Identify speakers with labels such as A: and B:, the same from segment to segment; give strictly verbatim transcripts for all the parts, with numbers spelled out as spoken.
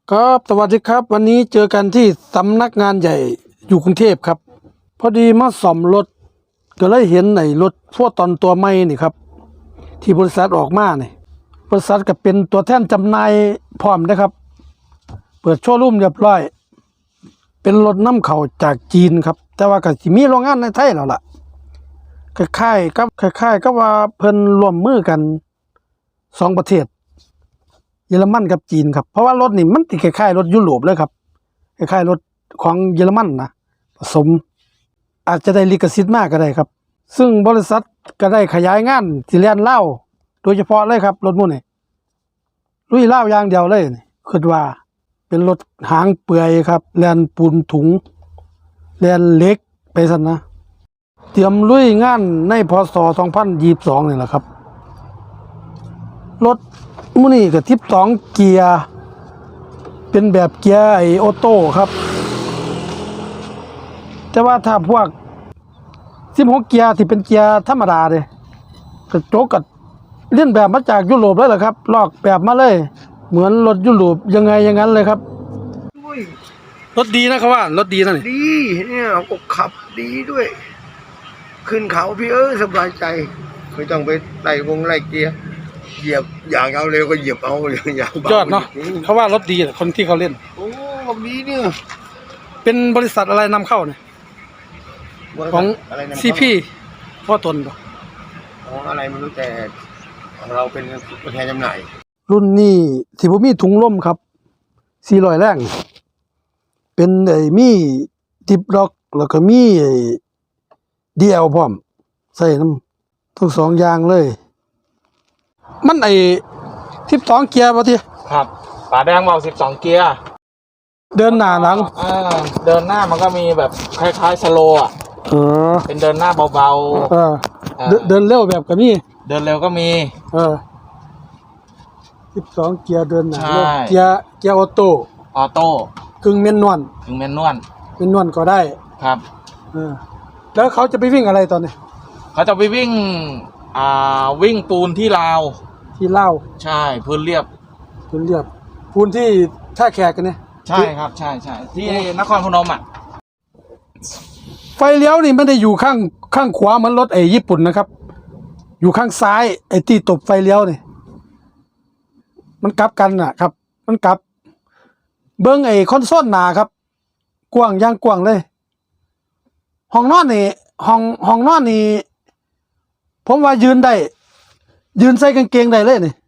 A: ครับสวัสดีครับวันนี้เจอกันที่สำนักงานใหญ่อยู่กรุงเทพครับพอดีมาซ่อมรถก็เลยเห็นไอ้รถพวกตอนตัวใหม่นี่ครับที่บริษัทออกมาเนี่ยบริษัทก็เป็นตัวแทนจำหน่ายพร้อมนะครับเปิดโชว์รูมเรียบร้อยเป็นรถนำเข้าจากจีนครับแต่ว่าก็สิมีโรงงานในไทยแล้วล่ะคล้ายๆกับคล้ายๆกับว่าเพิ่นร่วมมือกันสองประเทศเยอรมันกับจีนครับเพราะว่ารถนี่มันติคล้ายๆรถยุโรปเลยครับคล้ายๆรถของเยอรมันนะผสมอาจจะได้ลิขสิทธิ์มากก็ได้ครับซึ่งบริษัทก็ได้ขยายงานสิแล่นลาวโดยเฉพาะเลยครับรถมุ่นนี่ลุยลาวอย่างเดียวเลยนี่คิดว่าเป็นรถหางเปื่อยครับแล่นปูนถุงแล่นเหล็กไปซั่นนะเตรียมลุยงานในพ.ศ. สองพันยี่สิบสองนี่แหละครับรถมื้อนี้ก็สิบสองเกียร์เป็นแบบเกียร์ไอ้ออโต้ครับแต่ว่าถ้าพวกสิบหกเกียร์ที่เป็นเกียร์ธรรมดาเด้กระจกก็เลียนแบบมาจากยุโรปเลยแหละครับลอกแบบมาเลยเหมือนรถยุโรปยังไงอย่างนั้นเลยครับ
B: ด้วย
A: รถดีนะครับว่ารถดีนะนี่
B: ดีเนี่ยก็ขับดีด้วย ขึ้นเขาพี่เออสบายใจไม่ต้องไปไล่วงไล่เกียร์เหยียบอย่างเอาเร็วก็เหยียบเอาอย่างเบาย
A: อดเนาะเขาว่ารถดีคนที่เขาเล่น
B: โอ้แบบนี้เนี่ย
A: เป็นบริษัทอะไรนำเข้าเนี่ยของซีพีพ่อตนบ่
B: ของอะไรไม่รู้แต่ของเราเป็นตัวแทนจำหน่าย
A: รุ่นนี้ที่ผมมีถุงลมครับสี่ร้อยแรงเป็นไอ้มีดิบล็อกแล้วก็มีไอ้ดีแอลพร้อมใส่น้ำทั้งสองอย่างเลยมันไอ้สิบสองเกียร์ป่ะที
C: ครับฝาแดงบอกสิบสองเกียร์
A: เดินหน้าหลัง
C: อ่าเดินหน้ามันก็มีแบบคล้ายๆสโลว์อ่ะ
A: เออ
C: เป็นเดินหน้าเบาๆ
A: เออเดินเร็วแบบก็มี
C: เดินเร็วก็มี
A: เออสิบสองเกียร์เดินหน้าเกียร์เกียร์ออโต้
C: ออโต้
A: กึ่งแมนนวล
C: กึ่งแมนนวล
A: แมนนวลก็ได้
C: ครับ
A: เออแล้วเขาจะไปวิ่งอะไรตอนนี้
C: เขาจะไปวิ่งอ่าวิ่งปูนที่ลาว
A: ที่เล่า
C: ใช่พื้นเรียบ
A: พื้นเรียบพื้นที่ท่าแขกกันเนี่ย
C: ใช่ครับใช่ใช่ที่นครพนมอ่ะ
A: ไฟเลี้ยวนี่ไม่ได้อยู่ข้างข้างขวาเหมือนรถไอ้ญี่ปุ่นนะครับอยู่ข้างซ้ายไอ้ที่ตบไฟเลี้ยวนี่มันกลับกันน่ะครับมันกลับเบิ้งไอ้คอนโซลหน้าครับกว้างย่างกว้างเลยห้องนอนนี่ห้องห้องนอนนี่ผมว่ายืนได้ยืนใส่กางเกงได้เลยนี่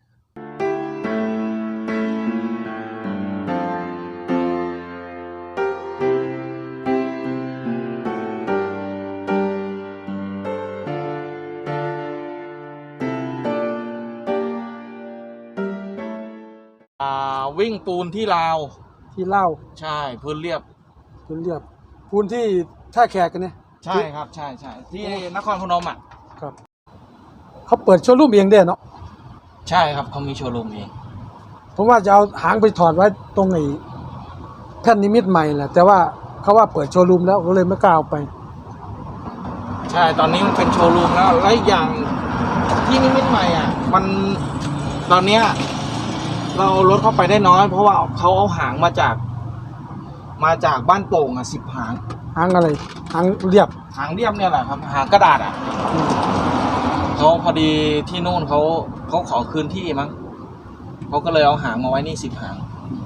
C: อ่าวิ่งปูนที่ลาว
A: ที่เล่า
C: ใช่พื้นเรียบ
A: พื้นเรียบพื้นที่ท่าแขกกันเนี่ย
C: ใช่ครับใช่ใช่ที่นครพนมอ่ะ
A: ครับเขาเปิดโชว์รูมเองได้เนาะ
C: ใช่ครับเขามีโชว์รูมเอง
A: ผมว่าจะเอาหางไปถอดไว้ตรงไอ้แท่นนิมิตใหม่แหละแต่ว่าเขาว่าเปิดโชว์รูมแล้วก็เลยไม่กล้าเอาไป
C: ใช่ตอนนี้มันเป็นโชว์รูมแล้วและอีกอย่างที่นิมิตใหม่อ่ะมันตอนเนี้ยเรารถเข้าไปได้น้อยเพราะว่าเขาเอาหางมาจากมาจากบ้านโป่งอ่ะสิบหาง
A: หางอะไรหางเรียบ
C: หางเรียบเนี่ยแหละครับหางกระดาษอ่ะเขาพอดีที่นู่นเขาเขาขอคืนที่มั้งเขาก็เลยเอาหางมาไว้นี่สิบหาง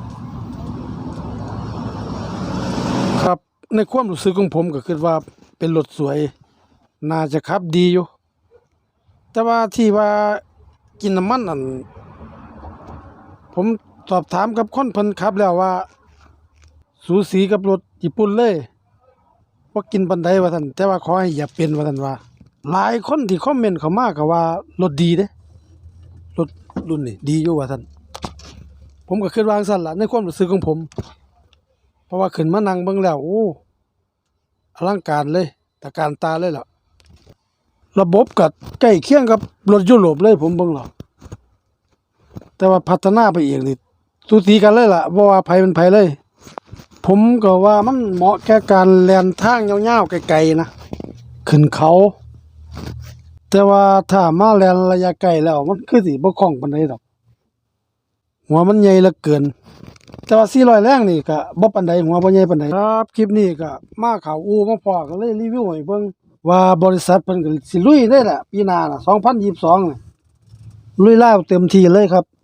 A: ครับในความรู้สึกของผมก็คิดว่าเป็นรถสวยน่าจะขับดีอยู่แต่ว่าที่ว่ากินน้ำมันนั่นผมสอบถามกับคนเพิ่นขับแล้วว่าสูสีกับรถญี่ปุ่นเลยว่ากินปานใดว่าท่านแต่ว่าขอให้อย่าเป็นว่าท่านว่าหลายคนที่คอมเมนต์เข้ามาก็ว่ารถดีเด้รถรุ่นนี้ดีอยู่ว่าท่านผมก็คิดว่าจังซั่นล่ะในความรู้สึกของผมเพราะว่าขึ้นมานั่งเบิ่งแล้วโอ้อลังการเลยตะการตาเลยล่ะระบบก็ใกล้เคียงกับรถยุโรปเลยผมเบิ่งแล้วแต่ว่าพัฒนาไปอีกนี่สูสีกันเลยล่ะบ่ว่าไผเป็นไผเลยผมก็ว่ามันเหมาะแก่การแล่นทางยาวๆไกลๆนะขึ้นเขาแต่ว่าถ้ามาแล่นระยะไกลแล้วมันคือสิบ่คล่องปานใดดอกหัวมันใหญ่เหลือเกินแต่ว่าสี่ร้อยแรงนี่ก็บ่ปานใดหัวบ่ใหญ่ปานใดครับคลิปนี้ก็มาเข้าอู่มาพอก็เลยรีวิวให้เบิ่งว่าบริษัทเพิ่นก็สิลุยได้แหละปีหน้าน่ะสองพันยี่สิบสองน่ะลุยแล้วเต็มที่เลยครับ